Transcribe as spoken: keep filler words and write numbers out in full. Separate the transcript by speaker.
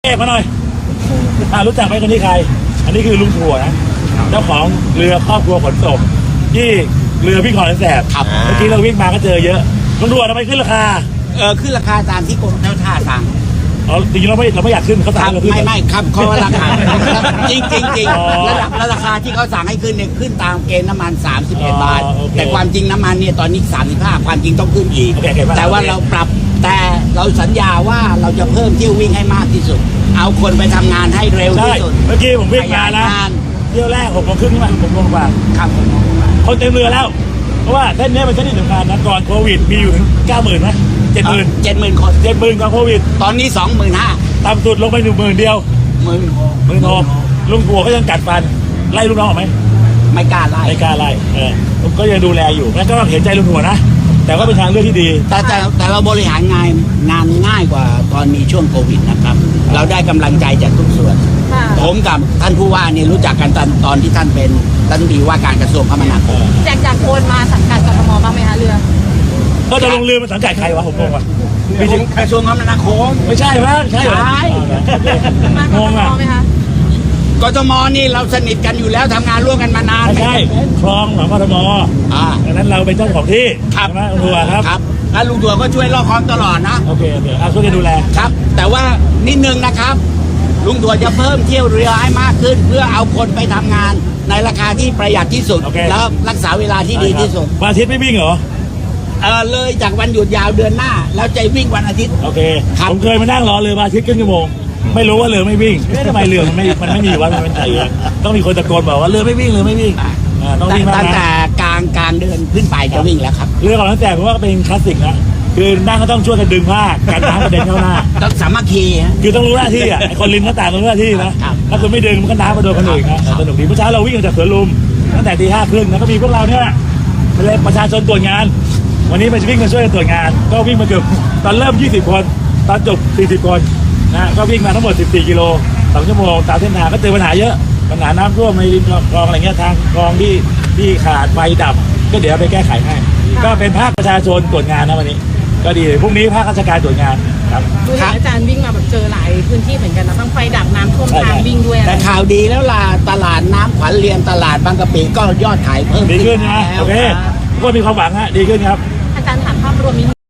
Speaker 1: เอกมาหน่อยอ่ารู้จักไหมคนนี้ใครอันนี้คือลุงถั่วนะเจ้าของเรือครอบครัวขนส่งที่เรือวิ่งคลองแสนแสบเมื่อกี้เราวิ่งมาก็เจอเยอะลุงถั่วทำไมขึ้นราคา
Speaker 2: เออขึ้นราคาตามที่กรมเจ้าท่าสั่ง
Speaker 1: อ๋อจริงๆเราไม่เราไม่อยากขึ้นเขาสั่งเราขึ้น
Speaker 2: ไม่ไม่ครับเขาราคาจริงจริงจริงระดับราคาที่เขาสั่งให้ขึ้นเนี่ยขึ้นตามเกณฑ์น้ำมันสามสิบเอ็ดบาทแต่ความจริงน้ำมันเนี่ยตอนนี้สามสิบห้าความจริงต้องขึ้นอีกแต่ว่าเราปรับแต่เราสัญญาว่าเราจะเพิ่มเที่ยววิ่งให้มากที่สุดเอาคนไปทำงานให้เร็วที่สุด
Speaker 1: เมื่อกี้ผมวิ่งมานะเที่ยวแรกหกโมงครึ่งนี่มันหกโมงกว่า
Speaker 2: ครับ
Speaker 1: คนเต็มเรือแล้วเพราะว่าเส้นนี้เป็นเส้นที่สำคัญนะก่อนโควิดมีอยู่ถึงเก้าหมื่นไหมเจ็ดหมื่น
Speaker 2: เจ็ดหมื่นคน
Speaker 1: เจ็ดหมื่นก่อนโควิด
Speaker 2: ตอนนี้สองหมื่นห้า
Speaker 1: ต่ำสุดลงไปหนึ่งหมื่นเดียว
Speaker 2: หมื่น
Speaker 1: หมื่นหกลุงผัวก็ยังกัดฟันไล่ลูกน้องออกไหม
Speaker 2: ไม่กล้าไล่
Speaker 1: ไม่กล้าไล่เออผมก็ยังดูแลอยู่งั้นก็ต้องเห็นใจลุงผัวนะแต่ก็เป็นทางเลือกที่ดี
Speaker 2: แต่แต่แต่เราบริหารงานงานง่ายกว่าตอนมีช่วงโควิดนะครับเราได้กำลังใจจากทุกส่วนผมกับท่านผู้ว่าเนี่ยรู้จักกันตอนตอนที่ท่านเป็นรัฐมนตรีว่าการกระทรวงคมนาคม
Speaker 3: แจกจากโอนมาสังกัดกทมบ้างไหมคะเรือ
Speaker 1: ก็จะลงเรือมันสังกัดใครวะผมงงว่ะ
Speaker 2: กระทรวงคมนาคม
Speaker 1: ไม่ใช่ไหมใช่เหรองงอ่ะ
Speaker 2: กทมนี่เราสนิทกันอยู่แล้วทำงานร่วมกันมานาน
Speaker 1: ไม่ใช่คลองของกทม
Speaker 2: อ่า
Speaker 1: ดังนั้นเราเป็นเจ้าของที่
Speaker 2: ครับ
Speaker 1: ใช่ไหมลุงถั่วครับ
Speaker 2: ครับแล้วลุงถั่วก็ช่วยรอคอมตลอดนะ
Speaker 1: โอเคโอเคเอาช่วยกันดูแล
Speaker 2: ครับแต่ว่านิดนึงนะครับลุงถั่วจะเพิ่มเที่ยวเรือให้มากขึ้นเพื่อเอาคนไปทำงานในราคาที่ประหยัดที่สุดแล้วรักษาเวลาที่ดีที่สุด
Speaker 1: วันอาทิตย์ไม่วิ่งเหรอ
Speaker 2: เออเลยจากวันหยุดยาวเดือนหน้าแล้วจะวิ่งวันอาทิตย์
Speaker 1: โอเคผมเคยมานั่งรอเรือวันอาทิตย์ครึ่งชั่วโมงไม่รู้ว่าเรือไม่วิ่งทำไมเรือมันไม่มันไม่มีวะมันเป็นไงต้องมีคนตะโกนบอกว่าเรือไม่วิ่งเรือไม่วิ่ง
Speaker 2: ต้องวิ่งตั้งแต่กลางกลางเดือนขึ้นไปจะวิ่งแล้วครับ
Speaker 1: เรือของตั้งแต่ผมว่าเป็นคลาสสิกนะคือนั่งก็ต้องช่วยกันดึงผ้ากันน้ำกระเด็นเข้าหน้า
Speaker 2: ต้องสามัคคี
Speaker 1: คือต้องรู้หน้าที่อ่ะไอคนริมหน้าต่างต้องรู้หน้าที่นะถ้าคุณไม่ดึงมันก็น้ำมาโดนคนอื่นนะสนุกดีเมื่อเช้าเราวิ่งจากสวนลุมตั้งแต่ตีห้าครึ่งนะก็มีพวกเราเนี่ยเป็นประชาชนตรวจงานวันนี้มันจะวิ่งมาช่วยตรวจงานก็วิ่งมาเกือบตอนเริ่มยี่สิบคนตอนจบสี่สิบคนนะก็วิ่งมาทั้งหมดสิบสี่กิโลสองชั่วโมงตามเส้นทางก็เจอปัญหาเยอะปัญหาน้ำท่วมในริมคลองอะไรเงี้ยทางคลองที่ที่ขาดไฟดับก็เดี๋ยวไปแก้ไขให้ก็เป็นภาคประชาชนตรวจงานนะวันนี้ก็ดีพรุ่งนี้ภาคราชการตรวจงานครับ
Speaker 3: ดูเห็นอาจารย์วิ่งมาแบบเจอหลายพื้นที่เหมือนกันนะต้องไฟดับน้ำท่วมทางวิ่งด้วย
Speaker 2: แต่ข่าวดีแล้วล่ะตลาดน้ำขวัญเรียนตลาดบางกะปิก็ยอดขายเพิ่ม
Speaker 1: ดีขึ้นนะโอเคทุกคนมีความหวังฮะดีขึ้นครับ
Speaker 3: อาจารย์ถามภาพรวมนี้